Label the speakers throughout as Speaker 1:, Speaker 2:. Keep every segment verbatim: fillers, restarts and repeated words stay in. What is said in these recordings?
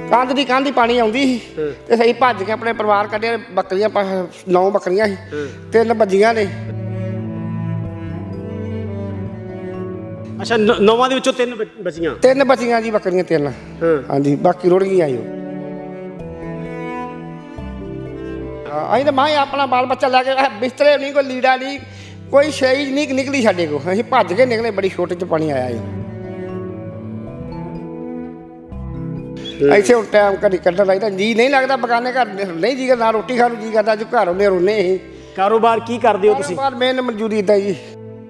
Speaker 1: ਕੰਧ ਦੀ ਕੰਧ ਹੀ ਪਾਣੀ ਆਉਂਦੀ ਸੀ ਤੇ ਸਹੀ ਭੱਜ ਕੇ ਆਪਣੇ ਪਰਿਵਾਰ ਕੱਢਿਆ। ਬੱਕਰੀਆਂ ਨੌ ਬੱਕਰੀਆਂ ਸੀ, ਤਿੰਨ ਬੱਜੀਆਂ ਨੇ।
Speaker 2: ਅੱਛਾ, ਨੌਵਾਂ ਦੇ ਵਿੱਚੋਂ ਤਿੰਨ ਬਚੀਆਂ?
Speaker 1: ਤਿੰਨ ਬਚੀਆਂ ਜੀ ਬੱਕਰੀਆਂ, ਤਿੰਨ। ਹਾਂਜੀ, ਬਾਕੀ ਰੁੜ ਗਈਆਂ ਜੀ। ਅਸੀਂ ਤਾਂ ਮਾਂ ਆਪਣਾ ਬਾਲ ਬੱਚਾ ਲੈ ਕੇ ਬਿਸਤਰੇ ਨਹੀਂ, ਕੋਈ ਲੀੜਾ ਨਹੀਂ, ਕੋਈ ਸ਼ੈ ਨਹੀਂ ਨਿਕਲੀ ਸਾਡੇ ਕੋਲ। ਅਸੀਂ ਭੱਜ ਕੇ ਨਿਕਲੇ, ਬੜੀ ਛੋਟੇ 'ਚ ਪਾਣੀ ਆਇਆ ਜੀ। ਇੱਥੇ ਹੁਣ ਟਾਈਮ ਕਦੀ ਕੱਢਣ ਲੱਗਦਾ, ਜੀ ਨਹੀਂ ਲੱਗਦਾ। ਬਗਾਨੇ ਘਰ ਨਹੀਂ ਜੀ ਕਰਦਾ, ਰੋਟੀ ਖਾਣ ਨੂੰ ਜੀ ਕਰਦਾ। ਜੋ ਘਰ ਆਉਂਦੇ ਰੋਨੇ ਅਸੀਂ।
Speaker 2: ਕਾਰੋਬਾਰ ਕੀ ਕਰਦੇ ਹੋ ਤੁਸੀਂ?
Speaker 1: ਕਾਰੋਬਾਰ ਮੇਨ ਮਨਜ਼ੂਰੀ ਦਾ ਜੀ।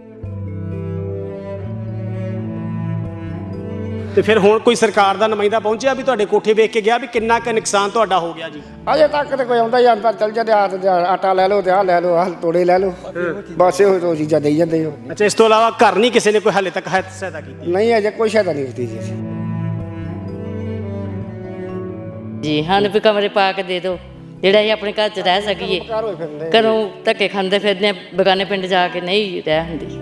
Speaker 2: ਤੇ ਫਿਰ ਹੁਣ ਕੋਈ ਸਰਕਾਰ ਦਾ ਨੁਮਾਇੰਦਾ ਪਹੁੰਚਿਆ ਵੀ ਤੁਹਾਡੇ ਕੋਠੇ ਵੇਖ ਕੇ ਗਿਆ ਵੀ ਕਿੰਨਾ ਕੁ ਨੁਕਸਾਨ ਤੁਹਾਡਾ ਹੋ ਗਿਆ ਜੀ?
Speaker 1: ਅਜੇ ਤੱਕ ਤਾਂ ਕੋਈ ਆਉਂਦਾ ਜਾਂਦਾ, ਚੱਲ ਜਾਂਦੇ ਹੱਥ ਆਟਾ ਲੈ ਲਓ ਤੇ ਆਹ ਲੈ ਲਓ, ਆਹ ਤੋੜੇ ਲੈ ਲਓ, ਬਸ ਇਹੋ ਦੋ ਚੀਜ਼ਾਂ ਦੇਈ ਜਾਂਦੇ ਹੋ।
Speaker 2: ਅੱਛਾ, ਇਸ ਤੋਂ ਇਲਾਵਾ ਘਰ ਨਹੀਂ ਕਿਸੇ ਨੇ ਕੋਈ ਹਾਲੇ ਤੱਕ ਸਹਾਇਤਾ ਕੀਤੀ?
Speaker 1: ਨਹੀਂ, ਅਜੇ ਕੋਈ ਸਹਾਇਤਾ ਨਹੀਂ ਕੀਤੀ ਜੀ।
Speaker 3: ਜੀ ਸਾਨੂੰ ਵੀ ਕਮਰੇ ਪਾ ਕੇ ਦੇ ਦਿਓ, ਜਿਹੜਾ ਅਸੀਂ ਆਪਣੇ ਘਰ 'ਚ ਰਹਿ ਸਕੀਏ। ਘਰੋਂ ਧੱਕੇ ਖਾਂਦੇ ਫਿਰਦੇ ਬੇਗਾਨੇ ਪਿੰਡ ਜਾ ਕੇ ਨਹੀਂ ਰਹਿ ਹੁੰਦੀ।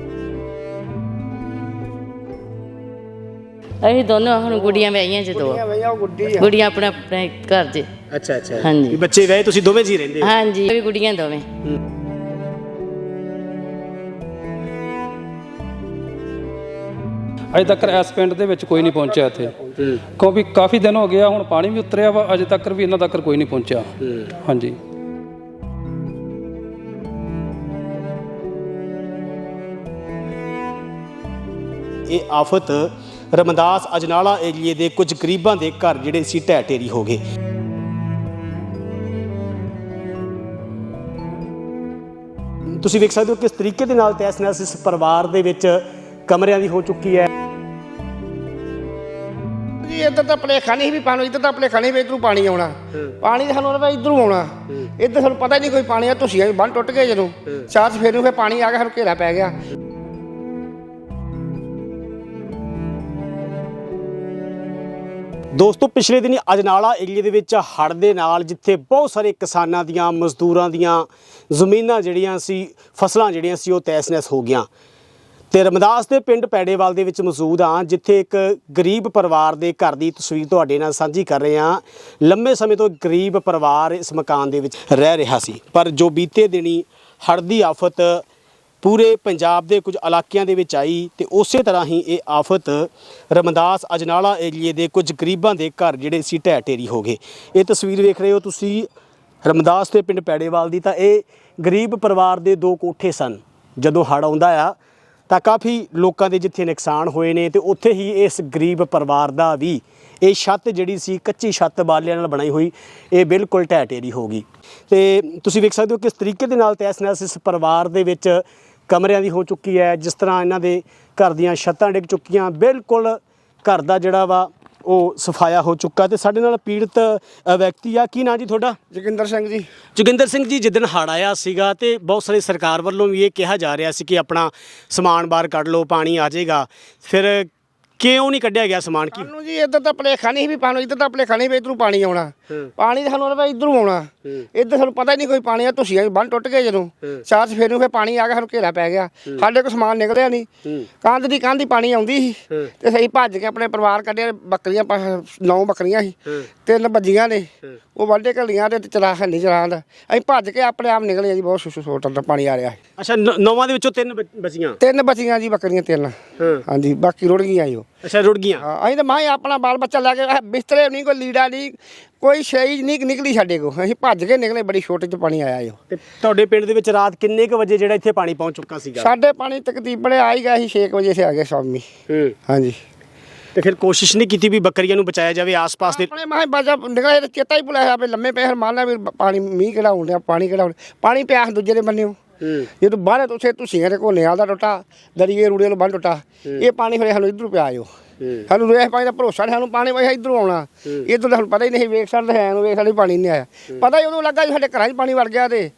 Speaker 3: ਅਸੀਂ ਦੋਨੋਂ ਹੁਣ ਗੁੱਡੀਆਂ ਵਿਆਹੀਆਂ ਜੀ, ਦੋ ਗੁੱਡੀਆਂ ਆਪਣੇ ਆਪਣੇ ਘਰ 'ਚ।
Speaker 2: ਅੱਛਾ ਅੱਛਾ,
Speaker 3: ਹਾਂਜੀ।
Speaker 2: ਬੱਚੇ ਵਿਆਹੇ, ਤੁਸੀਂ ਦੋਵੇਂ ਜੀ ਰਹਿੰਦੇ ਹੋ?
Speaker 3: ਹਾਂਜੀ, ਵੀ ਗੁੱਡੀਆਂ ਦੋਵੇਂ।
Speaker 4: ਅਜੇ ਤੱਕ ਇਸ ਪਿੰਡ ਦੇ ਵਿੱਚ ਕੋਈ ਨਹੀਂ ਪਹੁੰਚਿਆ ਇੱਥੇ, ਕਿਉਂਕਿ ਕਾਫੀ ਦਿਨ ਹੋ ਗਿਆ। ਹੁਣ ਪਾਣੀ ਵੀ ਉਤਰਿਆ ਵਾ, ਅਜੇ ਤੱਕ ਵੀ ਇਹਨਾਂ ਤੱਕ ਕੋਈ ਨਹੀਂ ਪਹੁੰਚਿਆ। ਹਾਂਜੀ।
Speaker 2: ਇਹ ਆਫਤ ਰਮਦਾਸ ਅਜਨਾਲਾ ਏਰੀਏ ਦੇ ਕੁਝ ਗਰੀਬਾਂ ਦੇ ਘਰ ਜਿਹੜੇ ਸੀ ਢਹਿ ਢੇਰੀ ਹੋ ਗਏ। ਤੁਸੀਂ ਵੇਖ ਸਕਦੇ ਹੋ ਕਿਸ ਤਰੀਕੇ ਦੇ ਨਾਲ ਤਹਿਸ ਨਹਿਸ ਇਸ ਪਰਿਵਾਰ ਦੇ ਵਿੱਚ ਕਮਰਿਆਂ ਦੀ ਹੋ ਚੁੱਕੀ ਹੈ
Speaker 1: ਜੀ। ਇੱਧਰ ਤਾਂ ਭੁਲੇਖਾ ਨਹੀਂ ਵੀ ਪਾਣੀ, ਇੱਧਰ ਤਾਂ ਭੁਲੇਖਾ ਨਹੀਂ ਵੀ ਇੱਧਰੋਂ ਪਾਣੀ ਆਉਣਾ। ਪਾਣੀ ਤਾਂ ਸਾਨੂੰ ਲੱਗਦਾ ਇੱਧਰੋਂ ਆਉਣਾ। ਇੱਧਰ ਸਾਨੂੰ ਪਤਾ ਹੀ ਨਹੀਂ ਕੋਈ ਪਾਣੀ ਆ। ਧੁੱਸੀਆਂ ਵੀ ਬੰਨ ਟੁੱਟ ਗਏ ਜਦੋਂ ਚਾਰ ਸਫੇਰ ਨੂੰ, ਫਿਰ ਪਾਣੀ ਆ ਗਿਆ, ਸਾਨੂੰ ਘੇਰਾ ਪੈ ਗਿਆ।
Speaker 2: ਦੋਸਤੋ, ਪਿਛਲੇ ਦਿਨੀ ਅਜਨਾਲਾ ਏਰੀਏ ਦੇ ਵਿੱਚ ਹੜ੍ਹ ਦੇ ਨਾਲ ਜਿੱਥੇ ਬਹੁਤ ਸਾਰੇ ਕਿਸਾਨਾਂ ਦੀਆਂ, ਮਜ਼ਦੂਰਾਂ ਦੀਆਂ ਜ਼ਮੀਨਾਂ ਜਿਹੜੀਆਂ ਸੀ, ਫਸਲਾਂ ਜਿਹੜੀਆਂ ਸੀ, ਉਹ ਤਹਿਸ ਨਹਿਸ ਹੋ ਗਈਆਂ। ਤੇ ਰਮਦਾਸ ਦੇ ਪਿੰਡ ਪੈੜੇਵਾਲ ਦੇ ਵਿੱਚ ਮੌਜੂਦ ਹਾਂ, ਜਿੱਥੇ ਇੱਕ ਗਰੀਬ ਪਰਿਵਾਰ ਦੇ ਘਰ ਦੀ ਤਸਵੀਰ ਤੁਹਾਡੇ ਨਾਲ ਸਾਂਝੀ ਕਰ ਰਹੇ ਹਾਂ। ਲੰਮੇ ਸਮੇਂ ਤੋਂ ਗਰੀਬ ਪਰਿਵਾਰ ਇਸ ਮਕਾਨ ਦੇ ਵਿੱਚ ਰਹਿ ਰਿਹਾ ਸੀ, ਪਰ ਜੋ ਬੀਤੇ ਦਿਨੀ ਹੜ੍ਹ ਦੀ ਆਫਤ ਪੂਰੇ ਪੰਜਾਬ ਦੇ ਕੁਝ ਇਲਾਕਿਆਂ ਦੇ ਵਿੱਚ ਆਈ ਤੇ ਉਸੇ ਤਰ੍ਹਾਂ ਹੀ ਇਹ ਆਫਤ ਰਮਦਾਸ ਅਜਨਾਲਾ ਏਰੀਏ ਦੇ ਕੁਝ ਗਰੀਬਾਂ ਦੇ ਘਰ ਜਿਹੜੇ ਸੀ ਢਹਿ ਢੇਰੀ ਹੋ ਗਏ। ਇਹ ਤਸਵੀਰ ਵੇਖ ਰਹੇ ਹੋ ਤੁਸੀਂ ਰਮਦਾਸ ਦੇ ਪਿੰਡ ਪੈੜੇਵਾਲ ਦੀ। ਤਾਂ ਇਹ ਗਰੀਬ ਪਰਿਵਾਰ ਦੇ ਦੋ ਕੋਠੇ ਸਨ। ਜਦੋਂ ਹੜ੍ਹ ਆਉਂਦਾ ਆ ਤਾਂ ਕਾਫੀ ਲੋਕਾਂ ਦੇ ਜਿੱਥੇ ਨੁਕਸਾਨ ਹੋਏ ਨੇ, ਤੇ ਉੱਥੇ ਹੀ ਇਸ ਗਰੀਬ ਪਰਿਵਾਰ ਦਾ ਵੀ ਇਹ ਛੱਤ ਜਿਹੜੀ ਸੀ, ਕੱਚੀ ਛੱਤ ਬਾਲਿਆਂ ਨਾਲ ਬਣਾਈ ਹੋਈ, ਇਹ ਬਿਲਕੁਲ ਢਹਿ ਢੇਰੀ ਹੋ ਗਈ। ਤੇ ਤੁਸੀਂ ਵੇਖ ਸਕਦੇ ਹੋ ਕਿਸ ਤਰੀਕੇ ਦੇ ਨਾਲ ਤਹਿਸ ਨਹਿਸ ਇਸ ਪਰਿਵਾਰ ਦੇ ਵਿੱਚ ਕਮਰਿਆਂ ਦੀ ਹੋ ਚੁੱਕੀ ਹੈ। ਜਿਸ ਤਰ੍ਹਾਂ ਇਹਨਾਂ ਦੇ ਘਰ ਦੀਆਂ ਛੱਤਾਂ ਡਿੱਗ ਚੁੱਕੀਆਂ, ਬਿਲਕੁਲ ਘਰ ਦਾ ਜਿਹੜਾ ਵਾ ਉਹ ਸਫਾਇਆ ਹੋ ਚੁੱਕਾ। ਤੇ ਸਾਡੇ ਨਾਲ ਪੀੜਤ ਵਿਅਕਤੀ ਆ। ਕੀ ਨਾਂ ਜੀ ਤੁਹਾਡਾ?
Speaker 1: ਜੋਗਿੰਦਰ ਸਿੰਘ ਜੀ।
Speaker 2: ਜੋਗਿੰਦਰ ਸਿੰਘ ਜੀ, ਜਿੱਦਣ ਹੜ੍ਹ ਆਇਆ ਸੀਗਾ ਤੇ ਬਹੁਤ ਸਾਰੇ ਸਰਕਾਰ ਵੱਲੋਂ ਵੀ ਇਹ ਕਿਹਾ ਜਾ ਰਿਹਾ ਸੀ ਕਿ ਆਪਣਾ ਸਮਾਨ ਬਾਹਰ ਕੱਢ ਲਓ, ਪਾਣੀ ਆ ਜਾਏਗਾ, ਫਿਰ ਕਿਉਂ ਨਹੀਂ ਕੱਢਿਆ ਗਿਆ ਸਮਾਨ? ਕੀ
Speaker 1: ਸਾਨੂੰ ਜੀ ਇੱਧਰ ਤਾਂ ਭੁਲੇਖਾ ਨਹੀਂ ਵੀ ਪਾਣੀ, ਇੱਧਰ ਤਾਂ ਭੁਲੇਖਾ ਨਹੀਂ ਵੀ ਇੱਧਰੋਂ ਪਾਣੀ ਆਉਣਾ। ਪਾਣੀ ਤਾਂ ਸਾਨੂੰ ਲੱਗਦਾ ਇੱਧਰੋਂ ਆਉਣਾ। ਇੱਧਰ ਸਾਨੂੰ ਪਤਾ ਹੀ ਨਹੀਂ ਕੋਈ ਪਾਣੀ ਆ। ਧੁੱਸੀਆਂ ਵੀ ਬੰਨ ਟੁੱਟ ਗਏ ਜਦੋਂ ਚਾਰ ਸਫੇਰ ਨੂੰ, ਫਿਰ ਪਾਣੀ ਆ ਗਿਆ, ਸਾਨੂੰ ਘੇਰਾ ਪੈ ਗਿਆ। ਸਾਡੇ ਕੋਲ ਸਮਾਨ ਨਿਕਲਿਆ ਨਹੀਂ। ਕੰਧ ਦੀ ਕੰਧ ਹੀ ਪਾਣੀ ਆਉਂਦੀ ਸੀ ਤੇ ਸਹੀ ਭੱਜ ਕੇ ਆਪਣੇ ਪਰਿਵਾਰ ਕੱਢਿਆ। ਬੱਕਰੀਆਂ ਨੌ ਬੱਕਰੀਆਂ ਸੀ, ਤਿੰਨ ਬੱਜੀਆਂ ਨੇ। ਉਹ ਵਾਢੇ ਘਲੀਆਂ ਤੇ ਚਲਾ ਹੈ ਨਹੀਂ ਚਲਾਉਂਦਾ। ਅਸੀਂ ਭੱਜ ਕੇ ਆਪਣੇ ਆਪ ਨਿਕਲੇ ਜੀ। ਬਹੁਤ ਸੁਸੂ ਸੋਟਾਂ ਦਾ ਪਾਣੀ ਆ ਰਿਹਾ।
Speaker 2: ਅੱਛਾ, ਨੌਵਾਂ ਦੇ ਵਿੱਚੋਂ ਤਿੰਨ ਬਚੀਆਂ?
Speaker 1: ਤਿੰਨ ਬਚੀਆਂ ਜੀ ਬੱਕਰੀਆਂ, ਤਿੰਨ। ਹਾਂਜੀ, ਬਾਕੀ ਰੁੜ ਗਈਆਂ ਜੀ।
Speaker 2: ਅੱਛਾ, ਰੁੜ ਗਈਆਂ।
Speaker 1: ਅਸੀਂ ਤਾਂ ਮਾਂ ਆਪਣਾ ਬਾਲ ਬੱਚਾ ਲੈ ਕੇ ਬਿਸਤਰੇ ਨਹੀਂ, ਕੋਈ ਲੀੜਾ ਨਹੀਂ, ਕੋਈ ਸ਼ੈ ਨਹੀਂ ਨਿਕਲੀ ਸਾਡੇ ਕੋਲ। ਅਸੀਂ ਭੱਜ ਕੇ ਨਿਕਲੇ, ਬੜੀ ਛੋਟੇ 'ਚ ਪਾਣੀ ਆਇਆ ਜੀ।
Speaker 2: ਤੇ ਤੁਹਾਡੇ ਪਿੰਡ ਦੇ ਵਿੱਚ ਰਾਤ ਕਿੰਨੇ ਕੁ ਵਜੇ ਜਿਹੜਾ ਇੱਥੇ ਪਾਣੀ ਪਹੁੰਚ ਚੁੱਕਾ ਸੀਗਾ?
Speaker 1: ਸਾਡੇ ਪਾਣੀ ਤਕਰੀਬਨ ਆ ਹੀ ਗਿਆ ਸੀ ਛੇ ਕੁ ਵਜੇ ਸੇ ਆ ਗਿਆ ਸ਼ਾਮੀ। ਹਾਂਜੀ।
Speaker 2: ਤੇ ਫਿਰ ਕੋਸ਼ਿਸ਼ ਨਹੀਂ ਕੀਤੀ ਵੀ ਬੱਕਰੀਆਂ ਨੂੰ ਬਚਾਇਆ ਜਾਵੇ ਆਸ-ਪਾਸ ਦੇ?
Speaker 1: ਆਪਣੇ ਮਾਂ ਬਾਜਾ ਨਿਕਲੇ ਤੇ ਚੇਤਾ ਹੀ ਭੁਲਾਇਆ ਆਪੇ ਲੰਮੇ ਪਏ ਮਾਰਨਾ ਵੀ ਪਾਣੀ ਮੀਂਹ ਕਿਹੜਾ ਹੋਣ ਡਿਆ, ਪਾਣੀ ਕਿਹੜਾ ਹੋਣ। ਪਾਣੀ ਪਿਆ ਦੂਜੇ ਦੇ ਬੰਨਿਓ। ਜਦੋਂ ਬਾਹਰ ਤੁਸੀਂ ਤੁਸੀਂ ਦੇ ਕੋਲ ਦਾ ਟੁੱਟਾ, ਦਰੀਏ ਰੂੜੇ ਨੂੰ ਬੰਨ ਟੁੱਟਾ, ਇਹ ਪਾਣੀ ਫਿਰ ਸਾਨੂੰ ਇੱਧਰੋਂ ਪਿਆ ਜੋ। ਸਾਨੂੰ ਰੇਹ ਪਾਣੀ ਦਾ ਭਰੋਸਾ ਨਹੀਂ, ਸਾਨੂੰ ਪਾਣੀ ਵੈਸੇ ਇੱਧਰੋਂ ਆਉਣਾ। ਇੱਧਰ ਸਾਨੂੰ ਪਤਾ ਹੀ ਨਹੀਂ, ਵੇਖ ਸਕਦੇ ਹੈ ਨੂੰ ਵੇਖ ਸਾਡੇ ਪਾਣੀ ਨਹੀਂ ਆਇਆ। ਪਤਾ ਹੀ ਉਦੋਂ ਲੱਗਾ ਸਾਡੇ ਘਰਾਂ 'ਚ ਪਾਣੀ ਵੜ ਗਿਆ। ਤੇ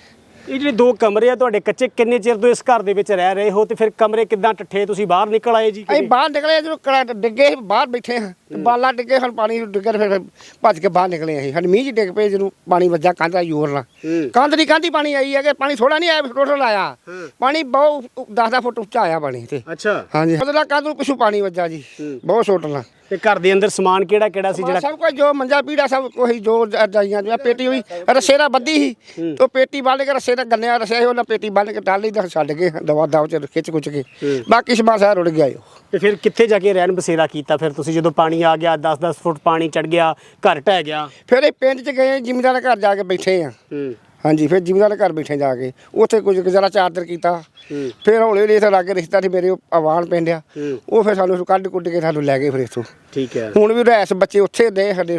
Speaker 2: ਇਹ ਜਿਹੜੇ ਦੋ ਕਮਰੇ ਆ ਤੁਹਾਡੇ ਕੱਚੇ, ਕਿੰਨੇ ਚਿਰ ਤੋਂ ਇਸ ਘਰ ਦੇ ਵਿੱਚ ਰਹਿ ਰਹੇ ਹੋ? ਤੇ ਫਿਰ ਕਮਰੇ ਕਿੱਦਾਂ ਟੱਠੇ, ਤੁਸੀਂ ਬਾਹਰ ਨਿਕਲ ਆਏ ਜੀ?
Speaker 1: ਅਸੀਂ ਬਾਹਰ ਨਿਕਲੇ ਜਦੋਂ ਕੜਾ ਡਿੱਗੇ ਬਾਹਰ ਬੈਠੇ ਹਾਂ, ਬਾਲਾ ਡਿੱਗੇ, ਸਾਨੂੰ ਪਾਣੀ ਡਿੱਗੇ, ਫਿਰ ਭੱਜ ਕੇ ਬਾਹਰ ਨਿਕਲੇ। ਅਸੀਂ ਸਾਡੇ ਮੀਂਹ 'ਚ ਡਿੱਗ ਪਏ ਜਦੋਂ ਪਾਣੀ ਵੱਜਾ ਕੰਧ ਦਾ ਜ਼ੋਰ ਨਾਲ। ਕੰਧ ਦੀ ਕੰਧ ਹੀ ਪਾਣੀ ਆਈ ਹੈ ਕਿ ਪਾਣੀ ਥੋੜਾ ਨਹੀਂ ਆਇਆ, ਟੋਟਲ ਆਇਆ ਪਾਣੀ ਬਹੁਤ ਦਸ ਦਸ ਫੁੱਟ ਉੱਚਾ ਆਇਆ ਪਾਣੀ। ਤੇ
Speaker 2: ਅੱਛਾ।
Speaker 1: ਹਾਂਜੀ, ਮਤਲਬ ਕੰਧ ਨੂੰ ਪਿੱਛੋਂ ਪਾਣੀ ਵੱਜਾ ਜੀ, ਬਹੁਤ ਛੋਟ ਨਾਲ।
Speaker 2: ਤੇ ਘਰ ਦੇ ਅੰਦਰ ਸਮਾਨ ਕਿਹੜਾ ਕਿਹੜਾ ਸੀ ਜਿਹੜਾ
Speaker 1: ਸਭ ਕੁਝ ਜੋ ਮੰਜਾ ਪੀੜਾ ਸਭ ਕੋਈ ਜੋ ਜਾਈਆਂ ਜੋ ਪੇਟੀ ਹੋਈ ਰੱਸੇ ਨਾਲ ਬੱਧੀ ਸੀ ਤੇ ਪੇਟੀ ਬੰਨ ਕੇ ਰੱਸੇ ਨਾਲ ਗੰਨਿਆ ਰੱਸਿਆ ਸੀ ਉਹਨਾਂ ਪੇਟੀ ਬੰਨ ਕੇ ਟਾਲੀ ਦਾ ਛੱਡ ਕੇ ਦਵਾ ਦਵ ਚ ਖਿੱਚ ਖੁੱਚ ਕੇ ਬਾਕੀ ਸਮਾਨ ਸਾਰਾ ਰੁੜ ਗਿਆ ਉਹ।
Speaker 2: ਤੇ ਫਿਰ ਕਿੱਥੇ ਜਾ ਕੇ ਰਹਿਣ ਬਸੇਰਾ ਕੀਤਾ ਫਿਰ ਤੁਸੀਂ ਜਦੋਂ ਪਾਣੀ ਆ ਗਿਆ ਦਸ ਦਸ ਫੁੱਟ ਪਾਣੀ ਚੜ ਗਿਆ ਘਰ ਢਹਿ ਗਿਆ?
Speaker 1: ਫਿਰ ਇਹ ਪਿੰਡ ਚ ਗਏ ਜ਼ਿਮੀਂਦਾਰ ਘਰ ਜਾ ਕੇ ਬੈਠੇ ਆ। ਹਾਂਜੀ ਫਿਰ ਜ਼ਿਮੀਂਦਾਰ ਘਰ ਬੈਠੇ ਜਾ ਕੇ ਉੱਥੇ ਕੁਝ ਗੁਜ਼ਾਰਾ ਚਾਦਰ ਕੀਤਾ। ਫਿਰ ਹੌਲੀ ਹੌਲੀ ਇੱਥੇ ਲਾਗੇ ਰਿਸ਼ਤਾ ਸੀ ਮੇਰੇ ਆਵਾਨ ਪਿੰਡ ਆ ਉਹ ਫਿਰ ਸਾਨੂੰ ਕੱਢ ਕੁੱਟ ਕੇ ਸਾਨੂੰ ਲੈ ਗਏ ਫਿਰ ਇੱਥੋਂ।
Speaker 2: ਠੀਕ ਹੈ।
Speaker 1: ਹੁਣ ਵੀ ਰਹਿਸ ਬੱਚੇ ਉੱਥੇ ਦੇ ਸਾਡੇ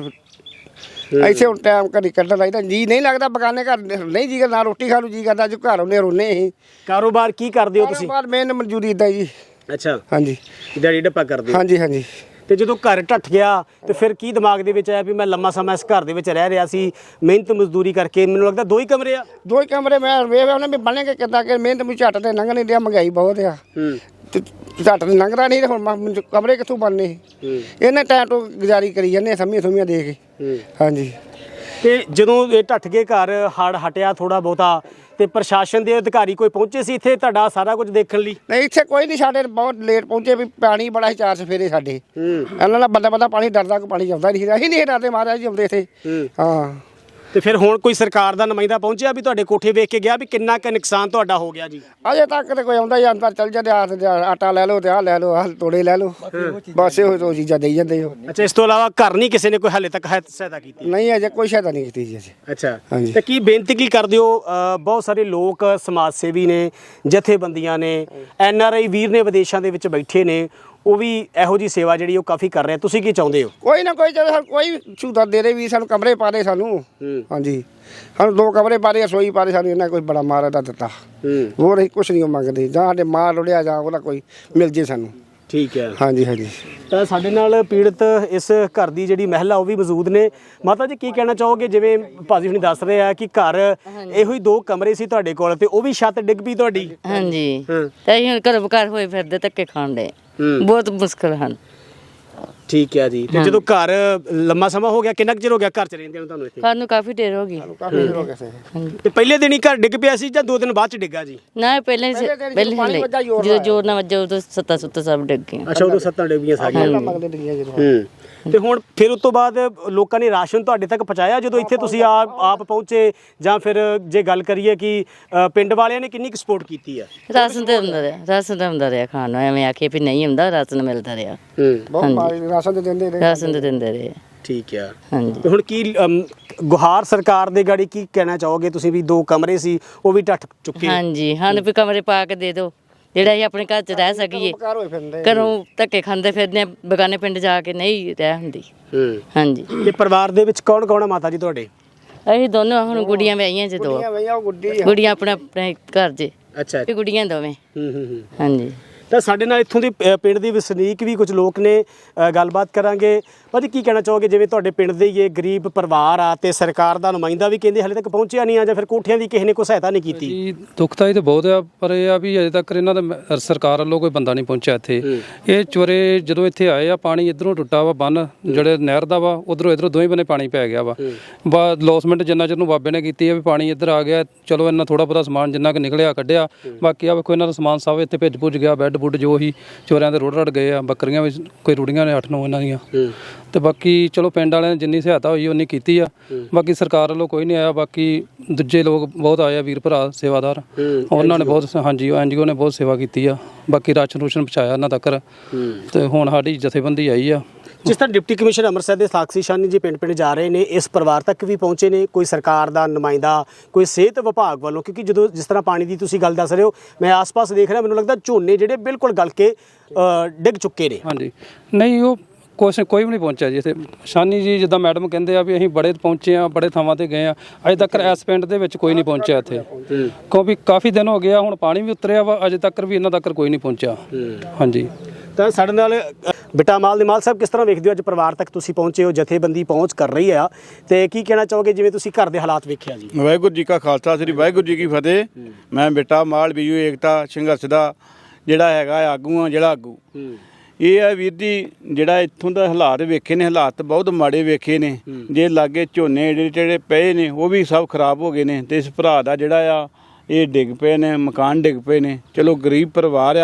Speaker 1: ਇੱਥੇ ਹੁਣ ਟਾਈਮ ਕਦੀ ਕੱਢਣ ਲੱਗਦਾ ਜੀ ਨਹੀਂ ਲੱਗਦਾ ਬਗਾਨੇ ਘਰ ਨਹੀਂ ਜੀ ਨਾ ਰੋਟੀ ਖਾਣ ਨੂੰ ਜੀ ਕਰਦਾ ਜੋ ਘਰ ਆਉਂਦੇ ਰੋਨੇ ਅਸੀਂ।
Speaker 2: ਕਾਰੋਬਾਰ ਕੀ ਕਰਦੇ ਹੋ ਤੁਸੀਂ?
Speaker 1: ਕਾਰੋਬਾਰ ਮੇਨ ਮਨਜ਼ੂਰੀ ਇਦਾਂ ਜੀ।
Speaker 2: ਅੱਛਾ
Speaker 1: ਹਾਂਜੀ
Speaker 2: ਦਿਹਾੜੀ ਡੱਪਾ ਕਰਦੇ ਹੋ?
Speaker 1: ਹਾਂਜੀ ਹਾਂਜੀ।
Speaker 2: ਤੇ ਜਦੋਂ ਘਰ ਢੱਠ ਗਿਆ ਤੇ ਫਿਰ ਕੀ ਦਿਮਾਗ ਦੇ ਵਿੱਚ ਆਇਆ ਵੀ ਮੈਂ ਲੰਮਾ ਸਮਾਂ ਇਸ ਘਰ ਦੇ ਵਿੱਚ ਰਹਿ ਰਿਹਾ ਸੀ ਮਿਹਨਤ ਮਜ਼ਦੂਰੀ ਕਰਕੇ? ਮੈਨੂੰ ਲੱਗਦਾ ਦੋ ਹੀ ਕਮਰੇ ਆ।
Speaker 1: ਦੋ ਹੀ ਕਮਰੇ ਮੈਂ ਵੇਖ ਉਹਨੇ ਵੀ ਬਣੇਗੇ ਕਿੱਦਾਂ ਕਿ ਮਿਹਨਤ ਵੀ ਝੱਟ ਤੇ ਲੰਘ ਨਹੀਂ ਰਿਹਾ ਮਹਿੰਗਾਈ ਬਹੁਤ ਆ ਤੇ ਝੱਟ ਤੇ ਲੰਘਦਾ ਨਹੀਂ ਤੇ ਹੁਣ ਮ- ਕਮਰੇ ਕਿੱਥੋਂ ਬਣਨੇ? ਇਹਨੇ ਟਾਈਮ ਤੋਂ ਗੁਜ਼ਾਰੀ ਕਰੀ ਜਾਂਦੇ ਸਮੀਆਂ ਸਮੀਆਂ ਦੇ ਕੇ। ਹਾਂਜੀ।
Speaker 2: ਤੇ ਜਦੋਂ ਇਹ ਢੱਠ ਗਏ ਘਰ ਹੜ ਹਟਿਆ ਥੋੜਾ ਬਹੁਤਾ ਤੇ ਪ੍ਰਸ਼ਾਸਨ ਦੇ ਅਧਿਕਾਰੀ ਕੋਈ ਪਹੁੰਚੇ ਸੀ ਇੱਥੇ ਤੁਹਾਡਾ ਸਾਰਾ ਕੁਝ ਦੇਖਣ ਲਈ?
Speaker 1: ਨਹੀਂ ਇੱਥੇ ਕੋਈ ਨਹੀਂ ਸਾਡੇ ਬਹੁਤ ਲੇਟ ਪਹੁੰਚੇ ਵੀ ਪਾਣੀ ਬੜਾ ਸੀ ਚਾਰ ਸਫੇਰੇ ਸਾਡੇ ਇਹਨਾਂ ਦਾ ਬੰਦਾ ਬੰਦਾ ਪਾਣੀ ਡਰਦਾ ਕੋਈ ਪਾਣੀ ਆਉਂਦਾ ਨਹੀਂ ਸੀ ਅਸੀਂ ਨਹੀਂ ਡਰਦੇ ਮਹਾਰਾਜ ਜੀ ਆਉਂਦੇ ਇੱਥੇ। ਹਾਂ।
Speaker 2: ਤੇ ਫਿਰ ਹੁਣ ਕੋਈ ਸਰਕਾਰ ਦਾ ਨੁਮਾਇੰਦਾ ਪਹੁੰਚਿਆ ਵੀ ਤੁਹਾਡੇ ਕੋਠੇ ਵੇਖ ਕੇ ਗਿਆ ਵੀ ਕਿੰਨਾ ਕੁ ਨੁਕਸਾਨ ਤੁਹਾਡਾ ਹੋ ਗਿਆ ਜੀ?
Speaker 1: ਅਜੇ ਤੱਕ ਤੇ ਕੋਈ ਆਉਂਦਾ ਹੀ ਅੰਦਰ ਚੱਲ ਜਾਂਦੇ ਆ ਤੇ ਆਟਾ ਲੈ ਲਓ ਤੇ ਆਹ ਲੈ ਲਓ ਆਹ ਤੋੜੇ ਲੈ ਲਓ ਬਸ ਇਹੋ ਦੋ ਚੀਜ਼ਾਂ ਦੇਈ ਜਾਂਦੇ ਹੋ।
Speaker 2: ਅੱਛਾ ਇਸ ਤੋਂ ਇਲਾਵਾ ਘਰ ਨਹੀਂ ਕਿਸੇ ਨੇ ਕੋਈ ਹਾਲੇ ਤੱਕ ਹੈ- ਸਹਾਇਤਾ ਕੀਤੀ?
Speaker 1: ਨਹੀਂ ਅਜੇ ਕੋਈ ਸਹਾਇਤਾ ਨਹੀਂ ਕੀਤੀ ਜੀ ਅਜੇ।
Speaker 2: ਅੱਛਾ
Speaker 1: ਹਾਂਜੀ।
Speaker 2: ਤੇ ਕੀ ਬੇਨਤੀ ਕੀ ਕਰਦੇ ਹੋ? ਅ, ਬਹੁਤ ਸਾਰੇ ਲੋਕ ਸਮਾਜ ਸੇਵੀ ਨੇ ਜਥੇਬੰਦੀਆਂ ਨੇ ਐਨ ਆਰ ਆਈ ਵੀਰ ਨੇ ਵਿਦੇਸ਼ਾਂ ਦੇ ਵਿੱਚ ਬੈਠੇ ਨੇ ਉਹ ਵੀ ਇਹੋ ਜੀ ਸੇਵਾ ਜਿਹੜੀ ਉਹ ਕਾਫੀ ਕਰ ਰਹੇ ਤੁਸੀਂ ਕੀ ਚਾਹੁੰਦੇ ਹੋ?
Speaker 1: ਕੋਈ ਨਾ ਕੋਈ ਜਦੋਂ ਕੋਈ ਸਹੂਲਤ ਦੇ ਦੇ ਵੀ ਸਾਨੂੰ ਕਮਰੇ ਪਾ ਦੇ ਸਾਨੂੰ। ਹਾਂਜੀ ਸਾਨੂੰ ਦੋ ਕਮਰੇ ਪਾ ਦੇ ਰਸੋਈ ਪਾ ਦੇ ਸਾਨੂੰ ਇਹਨਾਂ ਕੋਈ ਬੜਾ ਮਾਰਾ ਦਾ ਦਿੱਤਾ ਹੋਰ ਅਸੀਂ ਕੁਛ ਨਹੀਂ ਮੰਗਦੇ ਜਾਂ ਸਾਡੇ ਮਾਲ ਰੁੜਿਆ ਜਾਂ ਉਹਦਾ ਕੋਈ ਮਿਲ ਜੇ ਸਾਨੂੰ।
Speaker 2: ਠੀਕ ਹੈ।
Speaker 1: ਹਾਂਜੀ ਹਾਂਜੀ।
Speaker 2: ਤਾਂ ਸਾਡੇ ਨਾਲ ਪੀੜਤ ਇਸ ਘਰ ਦੀ ਜਿਹੜੀ ਮਹਿਲਾ ਉਹ ਵੀ ਮੌਜੂਦ ਨੇ। ਮਾਤਾ ਜੀ ਕੀ ਕਹਿਣਾ ਚਾਹੋਗੇ? ਜਿਵੇਂ ਭਾਜੀ ਹੁਣੀ ਦੱਸ ਰਹੇ ਆ ਕਿ ਘਰ ਇਹੋ ਹੀ ਦੋ ਕਮਰੇ ਸੀ ਤੁਹਾਡੇ ਕੋਲ ਤੇ ਉਹ ਵੀ ਛੱਤ ਡਿੱਗ ਪਈ ਤੁਹਾਡੀ?
Speaker 3: ਹਾਂਜੀ ਤੇ ਅਸੀਂ ਹੁਣ ਘਰੋਂ ਬਕਾਰ ਹੋਏ ਫਿਰਦੇ ਧੱਕੇ ਖਾਣ ਦੇ ਬਹੁਤ ਮੁਸ਼ਕਲ ਹਨ।
Speaker 2: ਠੀਕ ਹੈ ਜੀ। ਤੇ ਜਦੋਂ ਘਰ ਲੰਮਾ ਸਮਾਂ ਹੋ ਗਿਆ ਕਿੰਨਾ ਕੁ ਚਿਰ ਹੋ ਗਿਆ ਘਰ ਚ ਰਹਿੰਦੇ ਨੂੰ ਤੁਹਾਨੂੰ ਇੱਥੇ?
Speaker 3: ਸਾਨੂੰ ਕਾਫੀ ਦੇਰ ਹੋ ਗਈ।
Speaker 1: ਕਾਫੀ ਦੇਰ ਹੋ ਗਿਆ ਸੀ।
Speaker 3: ਹਾਂਜੀ
Speaker 2: ਤੇ ਪਹਿਲੇ ਦਿਨ ਹੀ ਘਰ ਡਿੱਗ ਪਿਆ ਸੀ ਜਾਂ ਦੋ ਦਿਨ ਬਾਅਦ ਚ ਡਿੱਗਾ ਜੀ?
Speaker 3: ਨਾ ਪਹਿਲੇ ਪਹਿਲੇ ਹਲੇ ਜਦੋਂ ਜੋਰ ਨਾ ਵੱਜਾ ਉਦੋਂ ਸੱਤਾ ਸੁੱਤਾ ਸਭ ਡਿੱਗ ਗਏ।
Speaker 2: ਅੱਛਾ ਉਦੋਂ ਸੱਤਾਂ ਡਿੱਗੀਆਂ ਸਾਰੀਆਂ।
Speaker 1: ਮੰਗਦੇ ਡਿੱਗੀਆਂ ਜਦੋਂ।
Speaker 2: ਹੂੰ। ਤੇ ਹੁਣ ਫਿਰ ਉਸ ਤੋਂ ਬਾਅਦ ਲੋਕਾਂ ਨੇ ਰਾਸ਼ਨ ਤੁਹਾਡੇ ਤੱਕ ਪਹੁੰਚਾਇਆ ਜਦੋਂ ਇੱਥੇ ਤੁਸੀਂ ਆਪ ਆਪ ਪਹੁੰਚੇ ਜਾਂ ਫਿਰ ਜੇ ਗੱਲ ਕਰੀਏ ਕਿ ਅ, ਪਿੰਡ ਵਾਲਿਆਂ ਨੇ ਕਿੰਨੀ ਕੁ ਸਪੋਰਟ ਕੀਤੀ ਆ?
Speaker 3: ਰਾਸ਼ਨ ਤੇ ਹੁੰਦਾ ਰਿਹਾ ਰਾਸ਼ਨ ਤੇ ਹੁੰਦਾ ਰਿਹਾ ਖਾਣ ਨੂੰ ਐਵੇਂ ਆਖੇ ਵੀ ਨਹੀਂ ਹੁੰਦਾ ਰਾਸ਼ਨ ਮਿਲਦਾ ਰਿਹਾ।
Speaker 2: ਹੂੰ।
Speaker 1: ਬਹੁਤ ਮਾਰੀ ਰਾਸ਼ਨ ਦੇ ਦਿੰਦੇ ਰਹੇ।
Speaker 3: ਰਾਸ਼ਨ ਤੇ ਦਿੰਦੇ ਰਹੇ।
Speaker 2: ਠੀਕ ਆ।
Speaker 3: ਹਾਂਜੀ
Speaker 2: ਤੇ ਹੁਣ ਕੀ ਅਮ, ਗੁਹਾਰ ਸਰਕਾਰ ਦੇ ਗਾੜੀ ਕੀ ਕਹਿਣਾ ਚਾਹੋਗੇ ਤੁਸੀਂ ਵੀ ਦੋ ਕਮਰੇ ਸੀ ਉਹ ਵੀ ਢੱਠ ਚੁੱਕੇ?
Speaker 3: ਹਾਂਜੀ ਸਾਨੂੰ ਵੀ ਕਮਰੇ ਪਾ ਕੇ ਦੇ ਦਿਓ ਜਿਹੜਾ ਅਸੀਂ ਆਪਣੇ ਘਰ 'ਚ ਰਹਿ ਸਕੀਏ।
Speaker 1: ਘਰ ਹੋਏ ਫਿਰਦੇ
Speaker 3: ਘਰੋਂ ਧੱਕੇ ਖਾਂਦੇ ਫਿਰਦੇ ਬਗਾਨੇ ਪਿੰਡ ਜਾ ਕੇ ਨਹੀਂ ਰਹਿ ਹੁੰਦੀ।
Speaker 2: ਹੂੰ।
Speaker 3: ਹਾਂਜੀ
Speaker 2: ਤੇ ਪਰਿਵਾਰ ਦੇ ਵਿੱਚ ਕੌਣ ਕੌਣ ਆ ਮਾਤਾ ਜੀ ਤੁਹਾਡੇ?
Speaker 3: ਅਸੀਂ ਦੋਨੋਂ ਹੁਣ ਗੁੱਡੀਆਂ ਵਿਆਹੀਆਂ ਜੇ ਦੋ
Speaker 1: ਵਈਆਂ ਉਹ ਗੁੱਡੀ ਆ।
Speaker 3: ਗੁੱਡੀਆਂ ਆਪਣੇ ਆਪਣੇ ਘਰ 'ਚ
Speaker 2: ਅੱਛਾ।
Speaker 3: ਇਹ ਗੁੱਡੀਆਂ ਦੋਵੇਂ।
Speaker 2: ਹੂੰ ਹੂੰ ਹੂੰ।
Speaker 3: ਹਾਂਜੀ
Speaker 2: ਤਾਂ ਸਾਡੇ ਨਾਲ ਇੱਥੋਂ ਦੇ ਅ, ਪਿੰਡ ਦੇ ਵਸਨੀਕ ਵੀ ਕੁਝ ਲੋਕ ਨੇ ਅ, ਗੱਲਬਾਤ ਕਰਾਂਗੇ। ਭਾਜੀ ਕੀ ਕਹਿਣਾ ਚਾਹੋਗੇ ਜਿਵੇਂ ਤੁਹਾਡੇ ਪਿੰਡ ਦੇ ਹੀ ਇਹ ਗਰੀਬ ਪਰਿਵਾਰ ਆ ਤੇ ਸਰਕਾਰ ਦਾ ਨੁਮਾਇੰਦਾ ਵੀ ਕਹਿੰਦੇ ਹਲੇ ਤੱਕ ਪਹੁੰਚਿਆ ਨਹੀਂ ਆ ਜਾਂ ਫਿਰ ਕੋਠਿਆਂ ਦੀ ਕਿਸੇ ਨੇ ਕੋਈ ਸਹਾਇਤਾ ਨਹੀਂ ਕੀਤੀ?
Speaker 4: ਜੀ ਦੁੱਖ ਤਾਂ ਇਹ ਤਾਂ ਬਹੁਤ ਆ ਪਰ ਇਹ ਆ ਵੀ ਅਜੇ ਤੱਕ ਇਹਨਾਂ ਦਾ ਮ- ਸਰਕਾਰ ਵੱਲੋਂ ਕੋਈ ਬੰਦਾ ਨਹੀਂ ਪਹੁੰਚਿਆ ਇੱਥੇ। ਇਹ ਚੋਰੇ ਜਦੋਂ ਇੱਥੇ ਆਏ ਆ ਪਾਣੀ ਇਧਰੋਂ ਟੁੱਟਾ ਵਾ ਬੰਨ ਜਿਹੜੇ ਨਹਿਰ ਦਾ ਵਾ ਉਧਰੋਂ ਇਧਰੋਂ ਦੋਵੇਂ ਬੰਨੇ ਪਾਣੀ ਪੈ ਗਿਆ ਵਾ ਬਾ ਲੋਸਮੈਂਟ ਜਿੰਨਾ ਚਿਰ ਨੂੰ ਬਾਬੇ ਨੇ ਕੀਤੀ ਆ ਵੀ ਪਾਣੀ ਇੱਧਰ ਆ ਗਿਆ ਚਲੋ ਇਹਨਾਂ ਥੋੜਾ ਬਹੁਤਾ ਸਮਾਨ ਜਿੰਨਾ ਕੁ ਨਿਕਲਿਆ ਕੱਢਿਆ ਬਾਕੀ ਆ ਵੇਖੋ ਇਹਨਾਂ ਦਾ ਸਮਾਨ ਸਭ ਇੱਥੇ ਭਿੱਜ ਭੁੱਜ ਗਿਆ ਬੈੱਡ ਬੁੱਡ ਜੋ ਹੀ ਚੋਰਿਆਂ ਦੇ ਰੁੜ ਰੜ ਗਏ ਆ ਬੱਕਰੀਆਂ ਵੀ ਕੋਈ ਰੁੜੀਆਂ ਨੇ ਅੱਠ ਨੌ ਇਹਨਾਂ ਦੀਆਂ ਤੇ ਬਾਕੀ ਚਲੋ ਪਿੰਡ ਵਾਲਿਆਂ ਨੇ ਜਿੰਨੀ ਸਹਾਇਤਾ ਹੋਈ ਉਨੀ ਕੀਤੀ ਆ ਬਾਕੀ ਸਰਕਾਰ ਵੱਲੋਂ ਕੋਈ ਨਹੀਂ ਆਇਆ ਬਾਕੀ ਦੂਜੇ ਲੋਕ ਬਹੁਤ ਆਏ ਆ ਵੀਰ ਭਰਾ ਸੇਵਾਦਾਰ ਉਹਨਾਂ ਨੇ ਬਹੁਤ ਹਾਂਜੀ ਐਨ ਜੀ ਓ ਨੇ ਬਹੁਤ ਸੇਵਾ ਕੀਤੀ ਆ ਬਾਕੀ ਰਾਸ਼ਨ ਰੂਸ਼ਨ ਪਹੁੰਚਾਇਆ ਇਹਨਾਂ ਤੱਕ ਤੇ ਹੁਣ ਸਾਡੀ ਜਥੇਬੰਦੀ ਆਈ ਆ।
Speaker 2: ਜਿਸ ਤਰ੍ਹਾਂ ਡਿਪਟੀ ਕਮਿਸ਼ਨਰ ਅੰਮ੍ਰਿਤਸਰ ਦੇ ਸਾਕਸ਼ੀ ਸ਼ਾਨੀ ਜੀ ਪਿੰਡ ਪਿੰਡ ਜਾ ਰਹੇ ਨੇ ਇਸ ਪਰਿਵਾਰ ਤੱਕ ਵੀ ਪਹੁੰਚੇ ਨੇ ਕੋਈ ਸਰਕਾਰ ਦਾ ਨੁਮਾਇੰਦਾ ਕੋਈ ਸਿਹਤ ਵਿਭਾਗ ਵੱਲੋਂ ਕਿਉਂਕਿ ਜਦੋਂ ਜਿਸ ਤਰ੍ਹਾਂ ਪਾਣੀ ਦੀ ਤੁਸੀਂ ਗੱਲ ਦੱਸ ਰਹੇ ਹੋ ਮੈਂ ਆਸ-ਪਾਸ ਦੇਖ ਰਿਹਾ ਮੈਨੂੰ ਲੱਗਦਾ ਝੋਨੇ ਜਿਹੜੇ ਬਿਲਕੁਲ ਗਲ ਕੇ ਅ, ਡਿੱਗ ਚੁੱਕੇ ਨੇ।
Speaker 4: ਹਾਂਜੀ ਨਹੀਂ ਉਹ ਕੁਛ ਕੋਈ ਵੀ ਨਹੀਂ ਪਹੁੰਚਿਆ ਜੀ ਇੱਥੇ ਸ਼ਾਨੀ ਜੀ ਜਿੱਦਾਂ ਮੈਡਮ ਕਹਿੰਦੇ ਆ ਵੀ ਅਸੀਂ ਬੜੇ ਪਹੁੰਚੇ ਆ ਬੜੇ ਥਾਵਾਂ ਤੇ ਗਏ ਆ ਅਜੇ ਤੱਕ ਇਸ ਪਿੰਡ ਦੇ ਵਿੱਚ ਕੋਈ ਨਹੀਂ ਪਹੁੰਚਿਆ ਇੱਥੇ ਕਿਉਂਕਿ ਕਾਫੀ ਦਿਨ ਹੋ ਗਿਆ ਹੁਣ ਪਾਣੀ ਵੀ ਉਤਰਿਆ ਵਾ ਅਜੇ ਤੱਕ ਵੀ ਇਹਨਾਂ ਤੱਕ ਕੋਈ ਨਹੀਂ ਪਹੁੰਚਿਆ। ਹਾਂਜੀ
Speaker 2: ਤਾਂ ਸਾਡੇ ਨਾਲ ਬਿਟਾ ਮਾਲ ਦੇ ਮਾਲ ਸਾਹਿਬ ਕਿਸ ਤਰ੍ਹਾਂ ਵੇਖਦੇ ਹੋ ਅੱਜ ਪਰਿਵਾਰ ਤੱਕ ਤੁਸੀਂ ਪਹੁੰਚੇ ਹੋ ਜਥੇਬੰਦੀ ਪਹੁੰਚ ਕਰ ਰਹੀ ਆ ਤੇ ਕੀ ਕਹਿਣਾ ਚਾਹੋਗੇ ਜਿਵੇਂ ਤੁਸੀਂ ਘਰ ਦੇ ਹਾਲਾਤ ਵੇਖਿਆ ਜੀ?
Speaker 5: ਵਾਹਿਗੁਰੂ ਜੀ ਕਾ ਖਾਲਸਾ ਸ੍ਰੀ ਵਾਹਿਗੁਰੂ ਜੀ ਕੀ ਫਤਿਹ। ਮੈਂ ਬਿਟਾ ਮਾਲ ਬੀਜੂ ਏਕਤਾ ਸੰਘਰਸ਼ ਦਾ ਜਿਹੜਾ ਹੈਗਾ ਆਗੂ ਆ ਜਿਹੜਾ ਆਗੂ ਇਹ ਹੈ ਵੀਰ ਜੀ ਜਿਹੜਾ ਇੱਥੋਂ ਦਾ ਹਾਲਾਤ ਵੇਖੇ ਨੇ ਹਾਲਾਤ ਬਹੁਤ ਮਾੜੇ ਵੇਖੇ ਨੇ ਜੇ ਲਾਗੇ ਝੋਨੇ ਜਿਹੜੇ ਜਿਹੜੇ ਪਏ ਨੇ ਉਹ ਵੀ ਸਭ ਖਰਾਬ ਹੋ ਗਏ ਨੇ ਤੇ ਇਸ ਭਰਾ ਦਾ ਜਿਹੜਾ ਆ ਇਹ ਡਿੱਗ ਪਏ ਨੇ ਮਕਾਨ ਡਿੱਗ ਪਏ ਨੇ। ਚਲੋ ਗਰੀਬ ਪਰਿਵਾਰ ਆ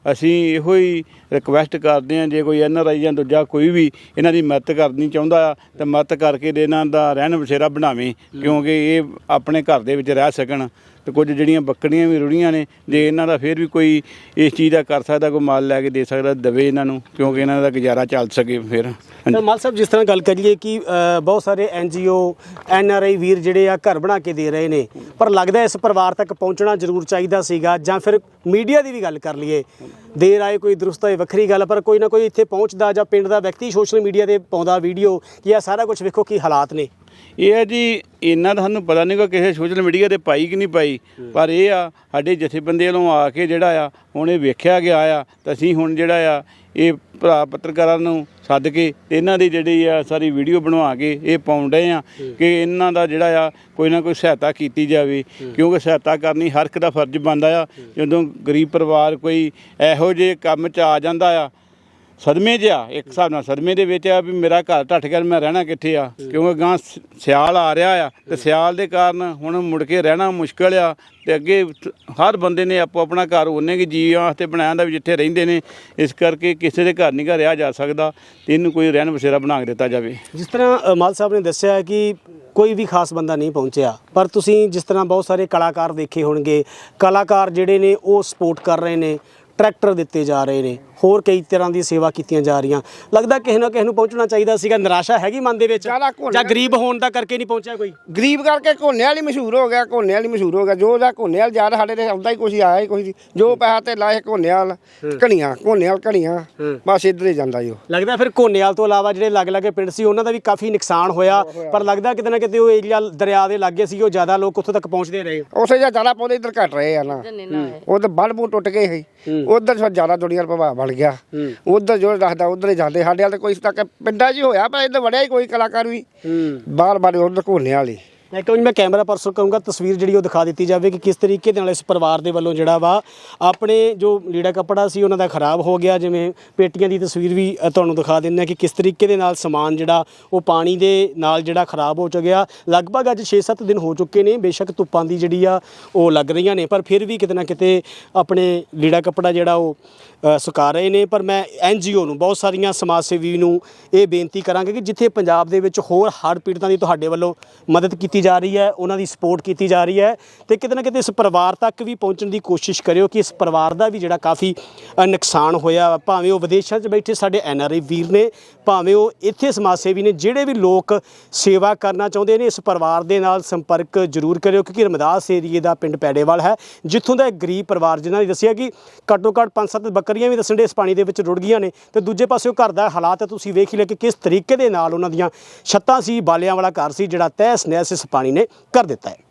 Speaker 5: ਅਸੀਂ ਇਹੋ ਹੀ ਰਿਕਵੈਸਟ ਕਰਦੇ ਹਾਂ, ਜੇ ਕੋਈ ਐਨ ਆਰ ਆਈ ਜਾਂ ਦੂਜਾ ਕੋਈ ਵੀ ਇਹਨਾਂ ਦੀ ਮਦਦ ਕਰਨੀ ਚਾਹੁੰਦਾ ਆ ਤਾਂ ਮਦਦ ਕਰਕੇ ਦੇ ਇਹਨਾਂ ਦਾ ਰਹਿਣ ਬਸੇਰਾ ਬਣਾਵੇ, ਕਿਉਂਕਿ ਇਹ ਆਪਣੇ ਘਰ ਦੇ ਵਿੱਚ ਰਹਿ ਸਕਣ। ਤੇ ਕੁਝ ਜਿਹੜੀਆਂ ਬੱਕਰੀਆਂ ਵੀ ਰੁੜੀਆਂ ਨੇ, ਜੇ ਇਹਨਾਂ ਦਾ ਫਿਰ ਵੀ ਕੋਈ ਇਸ ਚੀਜ਼ ਦਾ ਕਰ ਸਕਦਾ, ਕੋਈ ਮਾਲ ਲੈ ਕੇ ਦੇ ਸਕਦਾ, ਦਵੇ ਇਹਨਾਂ ਨੂੰ, ਕਿਉਂਕਿ ਇਹਨਾਂ ਦਾ ਗੁਜ਼ਾਰਾ ਚੱਲ ਸਕੇ ਫਿਰ।
Speaker 2: ਤਾਂ ਮਾਲ ਸਾਹਿਬ, ਜਿਸ ਤਰ੍ਹਾਂ ਗੱਲ ਕਰੀਏ ਕਿ ਅ, ਬਹੁਤ ਸਾਰੇ ਐਨ ਜੀ ਓ ਐਨ ਆਰ ਆਈ ਵੀਰ ਜਿਹੜੇ ਆ ਘਰ ਬਣਾ ਕੇ ਦੇ ਰਹੇ ਨੇ, ਪਰ ਲੱਗਦਾ ਇਸ ਪਰਿਵਾਰ ਤੱਕ ਪਹੁੰਚਣਾ ਜ਼ਰੂਰ ਚਾਹੀਦਾ ਸੀਗਾ, ਜਾਂ ਫਿਰ ਮੀਡੀਆ ਦੀ ਵੀ ਗੱਲ ਕਰ ਲਈਏ, ਦੇਰ ਆਏ ਕੋਈ ਦਰੁਸਤ ਹੋਏ ਵੱਖਰੀ ਗੱਲ, ਪਰ ਕੋਈ ਨਾ ਕੋਈ ਇੱਥੇ ਪਹੁੰਚਦਾ ਜਾਂ ਪਿੰਡ ਦਾ ਵਿਅਕਤੀ ਸੋਸ਼ਲ ਮੀਡੀਆ ਤੇ ਪਾਉਂਦਾ ਵੀਡੀਓ ਕਿ ਇਹ ਸਾਰਾ ਕੁਝ ਵੇਖੋ ਕੀ ਹਾਲਾਤ ਨੇ।
Speaker 5: ਇਹ ਹੈ ਜੀ, ਇਹਨਾਂ ਦਾ ਸਾਨੂੰ ਪਤਾ ਨਹੀਂ ਕਿ ਕਿਸੇ ਸੋਸ਼ਲ ਮੀਡੀਆ ਤੇ ਪਾਈ ਕਿ ਨਹੀਂ ਪਾਈ, ਪਰ ਇਹ ਆ ਸਾਡੇ ਜਥੇਬੰਦੀ ਵੱਲੋਂ ਆ ਕੇ ਜਿਹੜਾ ਆ ਹੁਣ ਇਹ ਵੇਖਿਆ ਗਿਆ ਆ, ਤਾਂ ਅਸੀਂ ਹੁਣ ਜਿਹੜਾ ਆ ਇਹ ਭਰਾ ਪੱਤਰਕਾਰਾਂ ਨੂੰ ਸੱਦ ਕੇ ਤੇ ਇਹਨਾਂ ਦੀ ਜਿਹੜੀ ਆ ਸਾਰੀ ਵੀਡੀਓ ਬਣਵਾ ਕੇ ਇਹ ਪਾਉਣ ਡਏ ਆ ਕਿ ਇਹਨਾਂ ਦਾ ਜਿਹੜਾ ਆ ਕੋਈ ਨਾ ਕੋਈ ਸਹਾਇਤਾ ਕੀਤੀ ਜਾਵੇ, ਕਿਉਂਕਿ ਸਹਾਇਤਾ ਕਰਨੀ ਹਰ ਇੱਕ ਦਾ ਫਰਜ਼ ਬਣਦਾ ਆ। ਜਦੋਂ ਗਰੀਬ ਪਰਿਵਾਰ ਕੋਈ ਇਹੋ ਜਿਹੇ ਕੰਮ 'ਚ ਆ ਜਾਂਦਾ ਆ, ਸਦਮੇ 'ਚ ਆ, ਇੱਕ ਹਿਸਾਬ ਨਾਲ ਸਦਮੇ ਦੇ ਵਿੱਚ ਆ ਵੀ ਮੇਰਾ ਘਰ ਢੱਠ ਗਿਆ, ਮੈਂ ਰਹਿਣਾ ਕਿੱਥੇ ਆ, ਕਿਉਂਕਿ ਗਾਂ ਸਿਆਲ ਆ ਰਿਹਾ ਆ ਤੇ ਸਿਆਲ ਦੇ ਕਾਰਨ ਹੁਣ ਮੁੜ ਕੇ ਰਹਿਣਾ ਮੁਸ਼ਕਲ ਆ। ਤੇ ਅੱਗੇ ਹਰ ਬੰਦੇ ਨੇ ਆਪੋ ਆਪਣਾ ਘਰ ਉਹਨੇ ਕਿ ਜੀਵਾਂ ਵਾਸਤੇ ਬਣਾਇਆ ਹੁੰਦਾ ਵੀ ਜਿੱਥੇ ਰਹਿੰਦੇ ਨੇ, ਇਸ ਕਰਕੇ ਕਿਸੇ ਦੇ ਘਰ ਨਹੀਂ ਘਰ ਰਿਹਾ ਜਾ ਸਕਦਾ ਤੇ ਇਹਨੂੰ ਕੋਈ ਰਹਿਣ ਬਸੇਰਾ ਬਣਾ ਕੇ ਦਿੱਤਾ ਜਾਵੇ।
Speaker 2: ਜਿਸ ਤਰ੍ਹਾਂ ਅ, ਮਾਲ ਸਾਹਿਬ ਨੇ ਦੱਸਿਆ ਕਿ ਕੋਈ ਵੀ ਖਾਸ ਬੰਦਾ ਨਹੀਂ ਪਹੁੰਚਿਆ, ਪਰ ਤੁਸੀਂ ਜਿਸ ਤਰ੍ਹਾਂ ਬਹੁਤ ਸਾਰੇ ਕਲਾਕਾਰ ਦੇਖੇ ਹੋਣਗੇ, ਕਲਾਕਾਰ ਜਿਹੜੇ ਨੇ ਉਹ ਸਪੋਰਟ ਕਰ ਰਹੇ ਨੇ, ਟਰੈਕਟਰ ਦਿੱਤੇ ਜਾ ਰਹੇ ਨੇ, ਹੋਰ ਕਈ ਤਰ੍ਹਾਂ ਦੀ ਸੇਵਾ ਕੀਤੀਆਂ ਜਾ ਰਹੀਆਂ। ਲੱਗਦਾ ਕਿਸੇ ਨਾ ਕਿਸੇ ਨੂੰ ਪਹੁੰਚਣਾ ਚਾਹੀਦਾ ਸੀਗਾ। ਨਿਰਾਸ਼ਾ ਹੈਗੀ ਮਨ ਦੇ ਵਿੱਚ, ਜਾਂ ਗਰੀਬ ਹੋਣ ਦਾ ਕਰਕੇ ਨਹੀਂ ਪਹੁੰਚਿਆ ਕੋਈ?
Speaker 1: ਗਰੀਬ ਕਰਕੇ ਘੋਨੇ ਵਾਲੀ ਮਸ਼ਹੂਰ ਹੋ ਗਿਆ, ਘੋਨੇ ਵਾਲੀ ਮਸ਼ਹੂਰ ਹੋ ਗਿਆ, ਜੋ ਉਹਦਾ ਘੋਨੇ ਵਾਲ ਜ਼ਿਆਦਾ ਸਾਡੇ ਤੇ ਆਉਂਦਾ ਹੀ ਕੁਛ ਆਇਆ ਹੀ ਕੁਛ, ਜੋ ਪੈਸਾ ਤੇ ਲਾਏ ਘੋਨੇ ਵਾਲ ਘਣੀਆਂ, ਘੋਨੇ ਵਾਲ ਘਣੀਆਂ, ਬਸ ਇੱਧਰ ਹੀ ਜਾਂਦਾ ਜੀ ਉਹ।
Speaker 2: ਲੱਗਦਾ ਫਿਰ ਘੋਨੇਵਾਲ ਤੋਂ ਇਲਾਵਾ ਜਿਹੜੇ ਲੱਗ ਲੱਗੇ ਪਿੰਡ ਸੀ ਉਹਨਾਂ ਦਾ ਵੀ ਕਾਫੀ ਨੁਕਸਾਨ ਹੋਇਆ, ਪਰ ਲੱਗਦਾ ਕਿਤੇ ਨਾ ਕਿਤੇ ਉਹ ਏਰੀਆ ਦਰਿਆ ਦੇ ਲਾਗੇ ਸੀ, ਉਹ ਜ਼ਿਆਦਾ ਲੋਕ ਉੱਥੋਂ ਤੱਕ ਪਹੁੰਚਦੇ ਰਹੇ।
Speaker 1: ਉਸੇ ਜਾਂ ਜ਼ਿਆਦਾ ਪੌਦੇ ਇੱਧਰ ਘਟ ਰਹੇ ਆ ਨਾ, ਉਧਰ ਬੰਨ ਬੂ ਟੁੱਟ ਗਏ ਸੀ, ਉਧਰ ਫਿਰ ਜ਼ਿਆਦਾ ਦੁਨੀਆ ਦਾ ਪ੍ਰਭਾਵ ਬਣ ਗਿਆ, ਉਧਰ ਜੋ ਰੱਖਦਾ ਉਧਰ ਹੀ ਜਾਂਦੇ। ਸਾਡੇ ਵਾਲ ਤਾਂ ਕੋਈ ਤੱਕ ਪਿੰਡਾਂ 'ਚ ਹੀ ਹੋਇਆ, ਪਰ ਇੱਧਰ ਵੜਿਆ ਹੀ ਕੋਈ ਕਲਾਕਾਰ ਵੀ ਬਾਹਰ ਬਾਹਰ ਉਧਰ ਘੋਨੇ ਵਾਲੀ।
Speaker 2: ਇੱਕ ਵਾਰ ਮੈਂ ਕੈਮਰਾ ਪਰਸਨ ਕਹੂੰਗਾ ਤਸਵੀਰ ਜਿਹੜੀ ਉਹ ਦਿਖਾ ਦਿੱਤੀ ਜਾਵੇ ਕਿ ਕਿਸ ਤਰੀਕੇ ਦੇ ਨਾਲ ਇਸ ਪਰਿਵਾਰ ਦੇ ਵੱਲੋਂ ਜਿਹੜਾ ਵਾ ਆਪਣੇ ਜੋ ਲੀੜਾ ਕੱਪੜਾ ਸੀ ਉਹਨਾਂ ਦਾ ਖਰਾਬ ਹੋ ਗਿਆ। ਜਿਵੇਂ ਪੇਟੀਆਂ ਦੀ ਤਸਵੀਰ ਵੀ ਅ, ਤੁਹਾਨੂੰ ਦਿਖਾ ਦਿੰਦੇ ਹਾਂ ਕਿ ਕਿਸ ਤਰੀਕੇ ਦੇ ਨਾਲ ਸਮਾਨ ਜਿਹੜਾ ਉਹ ਪਾਣੀ ਦੇ ਨਾਲ ਜਿਹੜਾ ਖਰਾਬ ਹੋ ਚੁੱਕਿਆ। ਲਗਭਗ ਅੱਜ ਛੇ ਸੱਤ ਦਿਨ ਹੋ ਚੁੱਕੇ ਨੇ, ਬੇਸ਼ੱਕ ਧੁੱਪਾਂ ਦੀ ਜਿਹੜੀ ਆ ਉਹ ਲੱਗ ਰਹੀਆਂ ਨੇ, ਪਰ ਫਿਰ ਵੀ ਕਿਤੇ ਨਾ ਕਿਤੇ ਆਪਣੇ ਲੀੜਾ ਕੱਪੜਾ ਜਿਹੜਾ ਉਹ ਅ, ਸੁਕਾ ਰਹੇ ਨੇ। ਪਰ ਮੈਂ ਐਨ ਜੀ ਓ ਨੂੰ, ਬਹੁਤ ਸਾਰੀਆਂ ਸਮਾਜ ਸੇਵੀ ਨੂੰ ਇਹ ਬੇਨਤੀ ਕਰਾਂਗੇ ਕਿ ਜਿੱਥੇ ਪੰਜਾਬ ਦੇ ਵਿੱਚ ਹੋਰ ਹੜ੍ਹ ਪੀੜਤਾਂ ਦੀ ਤੁਹਾਡੇ ਵੱਲੋਂ ਮਦਦ ਕੀਤੀ ਜਾ ਰਹੀ ਹੈ, ਉਹਨਾਂ ਦੀ ਸਪੋਰਟ ਕੀਤੀ ਜਾ ਰਹੀ ਹੈ, ਤੇ ਕਿਤੇ ਨਾ ਕਿਤੇ ਇਸ ਪਰਿਵਾਰ ਤੱਕ ਵੀ ਪਹੁੰਚਣ ਦੀ ਕੋਸ਼ਿਸ਼ ਕਰਿਓ ਕਿ ਇਸ ਪਰਿਵਾਰ ਦਾ ਵੀ ਜਿਹੜਾ ਕਾਫੀ ਅ, ਨੁਕਸਾਨ ਹੋਇਆ, ਭਾਵੇਂ ਉਹ ਵਿਦੇਸ਼ਾਂ 'ਚ ਬੈਠੇ ਸਾਡੇ ਐਨ ਆਰ ਆਈ ਵੀਰ ਨੇ, ਭਾਵੇਂ ਉਹ ਇੱਥੇ ਸਮਾਜ ਸੇਵੀ ਨੇ, ਜਿਹੜੇ ਵੀ ਲੋਕ ਸੇਵਾ ਕਰਨਾ ਚਾਹੁੰਦੇ ਨੇ, ਇਸ ਪਰਿਵਾਰ ਦੇ ਨਾਲ ਸੰਪਰਕ ਜ਼ਰੂਰ ਕਰਿਓ, ਕਿਉਂਕਿ ਰਮਦਾਸ ਏਰੀਏ ਦਾ ਪਿੰਡ ਪੈੜੇਵਾਲ ਹੈ, ਜਿੱਥੋਂ ਦਾ ਇੱਕ ਗਰੀਬ ਪਰਿਵਾਰ ਜਿਨ੍ਹਾਂ ਨੇ ਦੱਸਿਆ ਕਿ ਘੱਟੋ ਘੱਟ ਪੰਜ ਸੱਤ ਬੱਕਰੀਆਂ ਵੀ ਦੱਸਣ ਦੇ ਇਸ ਪਾਣੀ ਦੇ ਵਿੱਚ ਰੁੜ ਗਈਆਂ ਨੇ, ਤੇ ਦੂਜੇ ਪਾਸੇ ਉਹ ਘਰ ਦਾ ਹਾਲਾਤ ਤੁਸੀਂ ਵੇਖ ਹੀ ਲਿਆ ਕਿ ਕਿਸ ਤਰੀਕੇ ਦੇ ਨਾਲ ਉਹਨਾਂ ਦੀਆਂ ਛੱਤਾਂ ਸੀ, ਬਾਲਿਆਂ ਵਾਲਾ ਘਰ ਸੀ ਜਿਹੜਾ ਤਹਿਸ ਨਹਿਸ ਇਸ ਪਾਣੀ ਨੇ ਕਰ ਦਿੱਤਾ ਹੈ।